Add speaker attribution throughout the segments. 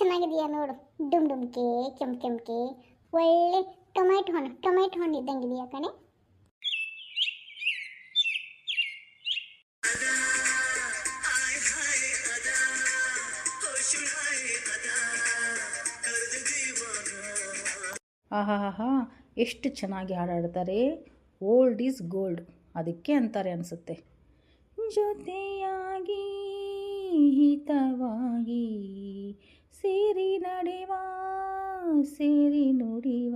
Speaker 1: ಚೆನ್ನಾಗಿದೆಯಾ ನೋಡು. ಡುಮ್ ಡುಮ್ಕೆ ಕೆಂಕೆ ಒಳ್ಳೆ ಟೊಮೆಟೊ ಹಣ್ಣು ಇದ್ದಂಗಿದೆಯಾ ಕಣೆ.
Speaker 2: ಆಹಾಹಾ, ಎಷ್ಟು ಚೆನ್ನಾಗಿ ಹಾಡಾಡ್ತಾರೆ. ಓಲ್ಡ್ ಈಸ್ ಗೋಲ್ಡ್ ಅದಕ್ಕೆ ಅಂತಾರೆ ಅನಿಸುತ್ತೆ. ಜೊತೆಯಾಗಿ ಹಿತವಾಗಿ ಸೇರಿ ನಡೆವ ಸೇರಿ ನುಡಿವ.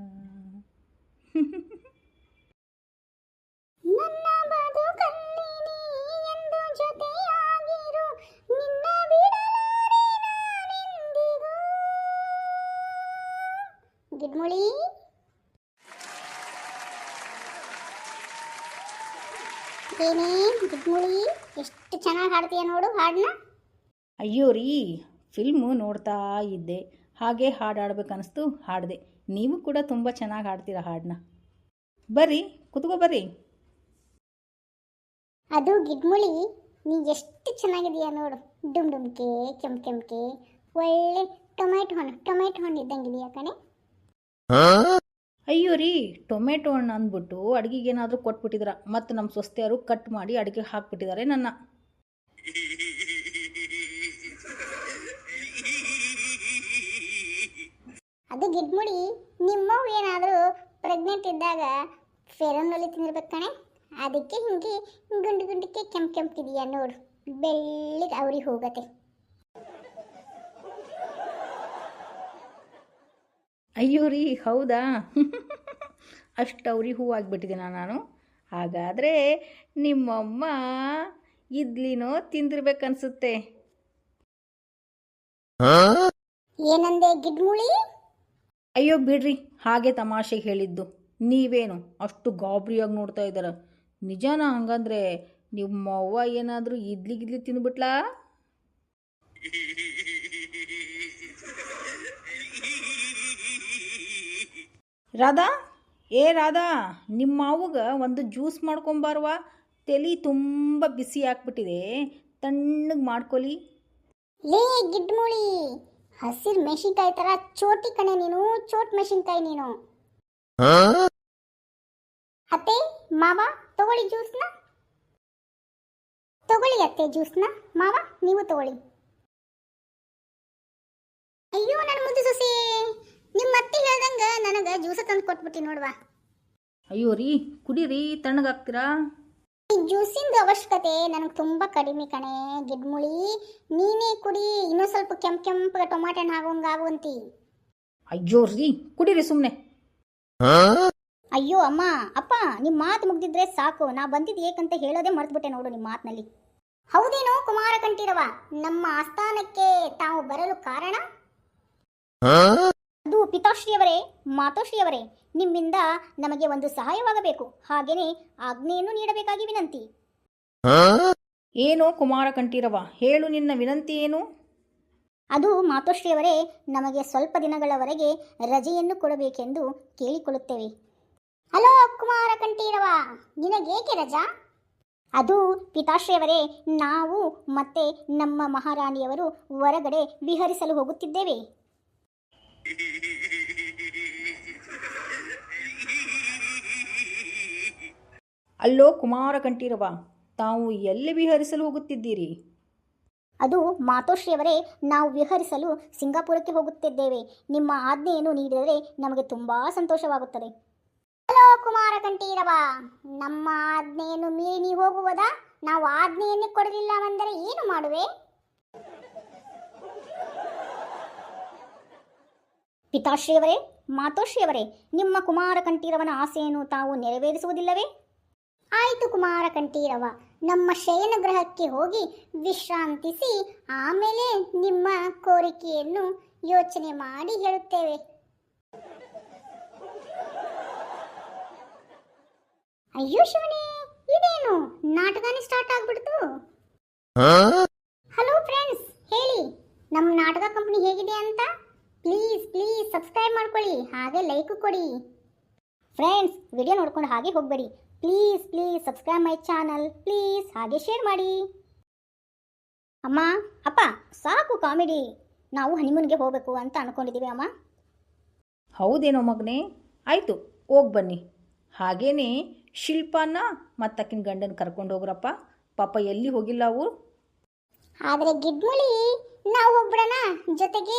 Speaker 1: ನನ್ನ ಬದುಕಲ್ಲಿ ನೀ ಎಂದು ಜೊತೆಯಾಗಿರು, ನಿನ್ನ ಬಿಡಲಾರೆ ನಾನೆಂದಿಗೂ. ಗಿಡ್ಮುಳಿ ಏನೇ ಗಿಡ್ಮುಳಿ, ಎಷ್ಟು ಚೆನ್ನಾಗಿ ಹಾಡ್ತೀಯ ನೋಡು ಹಾಡನ್ನ.
Speaker 2: ಅಯ್ಯೋ ರೀ, ಫಿಲ್ಮು ನೋಡ್ತಾ ಇದ್ದೆ, ಹಾಗೆ ಹಾಡಾಡ್ಬೇಕನ್ನಿಸ್ತು ಹಾಡಿದೆ. ನೀವು ಕೂಡ ತುಂಬ ಚೆನ್ನಾಗಿ ಹಾಡ್ತೀರ ಹಾಡನ್ನ. ಬರ್ರಿ ಕುತ್ಕೋ ಬರ್ರಿ.
Speaker 1: ಅದು ಗಿಡ್ಮುಳಿ, ನೀ ಎಷ್ಟು ಚೆನ್ನಾಗಿದೆಯಾ ನೋಡು. ಡುಮ್ ಡುಮ್ಕೆ ಕೆಂಕೆ ಒಳ್ಳೆ ಟೊಮೆಟೊ ಹಣ್ಣು ಇದ್ದಂಗಿದೆಯಾ ಕಣೆ.
Speaker 2: ಅಯ್ಯೋ ರೀ, ಟೊಮೆಟೊ ಹಣ್ಣು ಅಂದ್ಬಿಟ್ಟು ಅಡುಗೆಗೆ ಏನಾದರೂ ಕೊಟ್ಬಿಟ್ಟಿದ್ರ, ಮತ್ತು ನಮ್ಮ ಸೊಸೆಯವರು ಕಟ್ ಮಾಡಿ ಅಡುಗೆ ಹಾಕ್ಬಿಟ್ಟಿದ್ದಾರೆ ನನ್ನ.
Speaker 1: ಅದು ಗಿಡ್ಮುಳಿ, ನಿಮ್ಮವ್ವ ಏನಾದರೂ ಪ್ರೆಗ್ನೆಂಟ್ ಇದ್ದಾಗ ಫೇರನ್ನಲ್ಲಿ ತಿಂದಿರ್ಬೇಕು ಕಣೆ. ಅದಕ್ಕೆ ಹಿಂಗೆ ಗುಂಡಿಗೆ ಕೆಂಪಿದೆಯಾ ನೋಡು, ಬೆಳ್ಳಿಗೆ ಅವ್ರಿಗೆ ಹೋಗತ್ತೆ.
Speaker 2: ಅಯ್ಯೋ ರೀ, ಹೌದಾ? ಅಷ್ಟು ಅವ್ರಿಗೆ ಹೂವಾಗಿಬಿಟ್ಟಿದ್ದೀನ ನಾನು. ಹಾಗಾದರೆ ನಿಮ್ಮಮ್ಮ ಇಡ್ಲಿನೋ ತಿಂದಿರ್ಬೇಕನ್ಸುತ್ತೆ.
Speaker 1: ಏನಂದೆ ಗಿಡ್ಮುಳಿ?
Speaker 2: ಅಯ್ಯೋ ಬಿಡ್ರಿ, ಹಾಗೆ ತಮಾಷೆಗೆ ಹೇಳಿದ್ದು. ನೀವೇನು ಅಷ್ಟು ಗಾಬರಿಯಾಗಿ ನೋಡ್ತಾ ಇದ್ದಾರ? ನಿಜಾನ? ಹಂಗಂದ್ರೆ ನಿಮ್ಮವ್ವ ಏನಾದರೂ ಇಡ್ಲಿ ತಿಂದುಬಿಟ್ಲಾ? ರಾಧಾ, ಏ ರಾಧಾ, ನಿಮ್ಮ ಮಾವುಗ ಒಂದು ಜ್ಯೂಸ್ ಮಾಡ್ಕೊಂಬಾರ್ವ. ತಲೆ ತುಂಬ ಬಿಸಿ ಹಾಕ್ಬಿಟ್ಟಿದೆ, ತಣ್ಣಗೆ ಮಾಡ್ಕೊಲಿ.
Speaker 1: ಲೇ ಗಿಡ್ಮುಳಿ, ಹಸಿರು ಮೆಣಸಿನ್ಕಾಯಿ ಥರ ಚೋಟಿ ಕಣೆ ನೀನು, ಚೋಟ್ ಮೆಣಸಿನ್ಕಾಯಿ ನೀನು. ಅತ್ತೆ ಮಾವ ತಗೊಳ್ಳಿ ಜ್ಯೂಸ್ನ, ತಗೊಳ್ಳಿ ಅತ್ತೆ ಜ್ಯೂಸ್ನ. ಮಾವ ನೀವು ತಗೊಳ್ಳಿ. ಅಯ್ಯೋ ನನ್ನ ಮುದ್ದು ಸೊಸೆ, ನಿಮ್ಮ ಅತ್ತೆ ಹೇಳ್ದಂಗ ನನಗೆ ಜ್ಯೂಸ ತಂದು ಕೊಟ್ಬಿಟ್ಟು ನೋಡುವ.
Speaker 2: ಅಯ್ಯೋ ರೀ, ಕುಡೀರಿ, ತಣ್ಣಗಾಗ್ತೀರಾ?
Speaker 1: ಈ ಜ್ಯೂಸಿಂದ ಅವಶ್ಯಕತೆ ನನಗೆ ತುಂಬ ಕಡಿಮೆ ಕಣೆ ಗಿಡ್ಮುಳಿ. ನೀನೇ ಕುಡಿ, ಇನ್ನೂ ಸ್ವಲ್ಪ ಕೆಂಪಗೆ ಟೊಮಾಟೊ ಹಣ್ಣು ಆಗುವಂತಿ.
Speaker 2: ಅಯ್ಯೋ ರೀ, ಕುಡೀರಿ ಸುಮ್ಮನೆ.
Speaker 1: ಅಯ್ಯೋ ಅಮ್ಮ ಅಪ್ಪ, ನಿಮ್ಮ ಮಾತು ಮುಗ್ದಿದ್ರೆ ಸಾಕು. ನಾ ಬಂದಿದ್ದು ಏಕಂತ ಹೇಳೋದೇ ಮರೆತುಬಿಟ್ಟೆ ನೋಡು ನಿಮ್ಮ ಮಾತಿನಲ್ಲಿ. ಹೌದೇನೋ ಕುಮಾರ ಕಂಠೀರವ, ನಮ್ಮ ಆಸ್ಥಾನಕ್ಕೆ ತಾವು ಬರಲು ಕಾರಣ? ಅದು ಪಿತಾಶ್ರೀಯವರೇ, ಮಾತೋಶ್ರೀಯವರೇ, ನಿಮ್ಮಿಂದ ನಮಗೆ ಒಂದು ಸಹಾಯವಾಗಬೇಕು. ಹಾಗೇನೆ ಆಜ್ಞೆಯನ್ನು ನೀಡಬೇಕಾಗಿ ವಿನಂತಿ.
Speaker 2: ಏನೋ ಕುಮಾರ ಕಂಠೀರವ, ಹೇಳು, ನಿನ್ನ ವಿನಂತಿ ಏನು?
Speaker 1: ಅದು ಮಾತೋಶ್ರೀಯವರೇ, ನಮಗೆ ಸ್ವಲ್ಪ ದಿನಗಳವರೆಗೆ ರಜೆಯನ್ನು ಕೊಡಬೇಕೆಂದು ಕೇಳಿಕೊಳ್ಳುತ್ತೇವೆ. ಹಲೋ ಕುಮಾರ ಕಂಠೀರವ, ನಿನಗೇಕೆ ರಜಾ? ಅದು ಪಿತಾಶ್ರೀಯವರೇ, ನಾವು ಮತ್ತೆ ನಮ್ಮ ಮಹಾರಾಣಿಯವರು ಹೊರಗಡೆ ವಿಹರಿಸಲು ಹೋಗುತ್ತಿದ್ದೇವೆ.
Speaker 2: ಅಲ್ಲೋ ಕುಮಾರ ಕಂಠೀರವ, ತಾವು ಎಲ್ಲಿ ವಿಹರಿಸಲು ಹೋಗುತ್ತಿದ್ದೀರಿ?
Speaker 1: ಅದು ಮಾತೋಶ್ರೀಯವರೇ, ನಾವು ವಿಹರಿಸಲು ಸಿಂಗಾಪುರಕ್ಕೆ ಹೋಗುತ್ತಿದ್ದೇವೆ. ನಿಮ್ಮ ಆಜ್ಞೆಯನ್ನು ನೀಡಿದರೆ ನಮಗೆ ತುಂಬಾ ಸಂತೋಷವಾಗುತ್ತದೆ. ಹಲೋ ಕುಮಾರ ಕಂಠೀರವ, ನಮ್ಮ ಆಜ್ಞೆಯನ್ನು ಮೀರಿ ನೀವು ಹೋಗುವುದಾ? ನಾವು ಆಜ್ಞೆಯನ್ನೇ ಕೊಡಲಿಲ್ಲವೆಂದರೆ ಏನು ಮಾಡುವೆ? ಪಿತಾಶ್ರೀಯವರೇ, ಮಾತೋಶ್ರೀಯವರೇ, ನಿಮ್ಮ ಕುಮಾರ ಕಂಠೀರವನ ಆಸೆಯನ್ನು ತಾವು ನೆರವೇರಿಸುವುದಿಲ್ಲವೇ? ಆಯಿತು ಕುಮಾರ ಕಂಠೀರವ, ನಮ್ಮ ಶಯನ ಗೃಹಕ್ಕೆ ಹೋಗಿ ವಿಶ್ರಾಂತಿಸಿ ಆಮೇಲೆ ನಿಮ್ಮ ಕೋರಿಕೆಯನ್ನು ಯೋಚನೆ ಮಾಡಿ ಹೇಳುತ್ತೇವೆ. ಅಯ್ಯೋ ಶಿವನೇ, ಇದೇನು ನಾಟಕನೇ ಸ್ಟಾರ್ಟ್ ಆಗ್ಬಿಡ್ತು. ಹಲೋ ಫ್ರೆಂಡ್ಸ್, ಹೇಳಿ ನಮ್ಮ ನಾಟಕ ಕಂಪನಿ ಹೇಗಿದೆ ಅಂತ. ಪ್ಲೀಸ್ ಸಬ್ಸ್ಕ್ರೈಬ್ ಮಾಡ್ಕೊಳ್ಳಿ, ಹಾಗೆ ಲೈಕ್ ಕೊಡಿ. ಫ್ರೆಂಡ್ಸ್, ವಿಡಿಯೋ ನೋಡ್ಕೊಂಡು ಹಾಗೆ ಹೋಗಬೇಡಿ. Please subscribe my channel please, ಹಾಗೆ ಶೇರ್ ಮಾಡಿ. ಅಮ್ಮ ಅಪ್ಪ, ಸಾಕು ಕಾಮಿಡಿ. ನಾವು ಹನಿಮೂನ್ಗೆ ಹೋಗಬೇಕು ಅಂತ ಅನ್ಕೊಂಡಿದ್ದೀವಿ ಅಮ್ಮ.
Speaker 2: ಹೌದೇನೋ ಮಗನೇ, ಆಯಿತು ಹೋಗಿ ಬನ್ನಿ. ಹಾಗೇನೆ ಶಿಲ್ಪಾನ ಮತ್ತಕ್ಕಿನ ಗಂಡನ ಕರ್ಕೊಂಡು ಹೋಗ್ರಪ್ಪ, ಪಾಪ ಎಲ್ಲಿ ಹೋಗಿಲ್ಲ ಅವು.
Speaker 1: ಆದರೆ ಗಿಡ್ಮುಳಿ ನಾವು ಹೋಗ್ಬಿಡೋಣ ಜೊತೆಗೆ.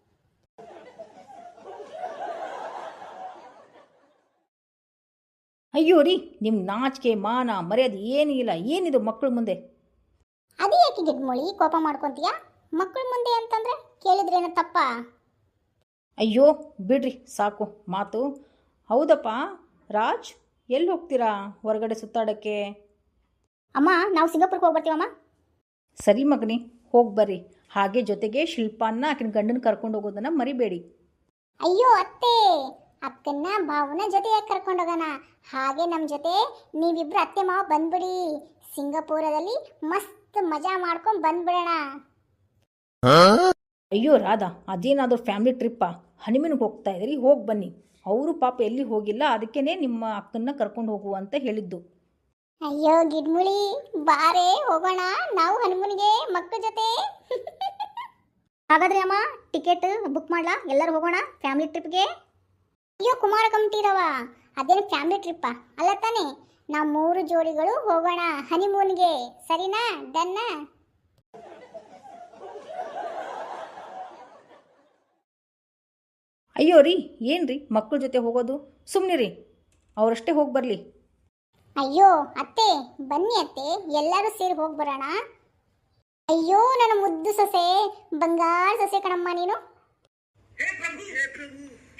Speaker 2: ಅಯ್ಯೋ ರೀ, ನಿಮ್ಮ ನಾಚಿಕೆ ಮಾನ ಮರ್ಯಾದೆ ಏನೂ ಇಲ್ಲ, ಏನಿದು ಮಕ್ಕಳ ಮುಂದೆ?
Speaker 1: ಅದೇ ಯಾಕೆ ಗಿಡ್ಮುಳಿ ಕೋಪ ಮಾಡ್ಕೊತೀಯಾ? ಮಕ್ಕಳ ಮುಂದೆ ಅಂತಂದ್ರೆ ಕೇಳಿದ್ರೇನು ತಪ್ಪ?
Speaker 2: ಅಯ್ಯೋ ಬಿಡ್ರಿ ಸಾಕು ಮಾತು. ಹೌದಪ್ಪ ರಾಜ್, ಎಲ್ಲಿ ಹೋಗ್ತೀರಾ ಹೊರಗಡೆ ಸುತ್ತಾಡೋಕ್ಕೆ?
Speaker 1: ಅಮ್ಮ ನಾವು ಸಿಂಗಾಪುರ್ಗೆ ಹೋಗಿ ಬರ್ತೀವಮ್ಮ.
Speaker 2: ಸರಿ ಮಗನಿ, ಹೋಗಿ ಬರ್ರಿ. ಹಾಗೆ ಜೊತೆಗೆ ಶಿಲ್ಪಾನ ಆಕಿನ ಗಂಡನ ಕರ್ಕೊಂಡು ಹೋಗೋದನ್ನು ಮರಿಬೇಡಿ.
Speaker 1: ಅಯ್ಯೋ ಅತ್ತೆ, ಅಕ್ಕನ್ನ ಭಾವನ ಜೊತೆಯಾಗಿ ಕರ್ಕೊಂಡೋಗೋಣ. ಹಾಗೆ ನಮ್ಮ ಜೊತೆ ನೀವಿಬ್ರು ಅತ್ತೆ ಮಾವ ಬಂದ್ಬಿಡಿ. ಸಿಂಗಾಪುರದಲ್ಲಿ ಮಸ್ತ್ ಮಜಾ ಮಾಡ್ಕೊಂಡು ಬಂದ್ಬಿಡೋಣ.
Speaker 2: ಅಯ್ಯೋ ರಾಧಾ, ಅದೇನಾದರೂ ಫ್ಯಾಮಿಲಿ ಟ್ರಿಪ್ಪಾ? ಹನಿಮೂನ್ಗೆ ಹೋಗ್ತಾ ಇದ್ದೀರಿ, ಹೋಗಿ ಬನ್ನಿ. ಅವರು ಪಾಪ ಎಲ್ಲಿ ಹೋಗಿಲ್ಲ, ಅದಕ್ಕೇ ನಿಮ್ಮ ಅಕ್ಕನ್ನ ಕರ್ಕೊಂಡು ಹೋಗು ಅಂತ ಹೇಳಿದ್ದು.
Speaker 1: ಅಯ್ಯೋ ಗಿಡ್ಮುಳಿ, ಬಾರೇ ಹೋಗೋಣ ನಾವು ಹನಿಮೂನ್ಗೆ ಮಕ್ಕಳ ಜೊತೆ. ಹಾಗಾದ್ರೆ ಅಮ್ಮ ಟಿಕೆಟ್ ಬುಕ್ ಮಾಡ್ಲಾ? ಎಲ್ಲರೂ ಹೋಗೋಣ ಫ್ಯಾಮಿಲಿ ಟ್ರಿಪ್ಗೆ. ಅಯ್ಯೋ ಕುಮಾರ ಕಮಿಟಿರವ, ಅದೇನು ಫ್ಯಾಮಿಲಿ ಟ್ರಿಪ್ಪಾ ಅಲ್ಲ ತಾನೇ? ನಾವು 3 ಜೋಡಿಗಳು ಹೋಗೋಣ ಹನಿಮೂನ್ಗೆ, ಸರಿನಾ? ಡನ್ನ?
Speaker 2: ಅಯ್ಯೋ ರೀ, ಏನು ರೀ ಮಕ್ಕಳ ಜೊತೆ ಹೋಗೋದು? ಸುಮ್ಮನೆ ರೀ, ಅವರಷ್ಟೇ ಹೋಗಿ ಬರಲಿ.
Speaker 1: ಅಯ್ಯೋ ಅತ್ತೆ, ಬನ್ನಿ ಅತ್ತೆ, ಎಲ್ಲರೂ ಸೇರಿ ಹೋಗಿ ಬರೋಣ. ಅಯ್ಯೋ ನನ್ನ ಮುದ್ದು ಸೊಸೆ, ಬಂಗಾರ ಸೊಸೆ ಕಣಮ್ಮ ನೀನು.
Speaker 3: हे प्रभु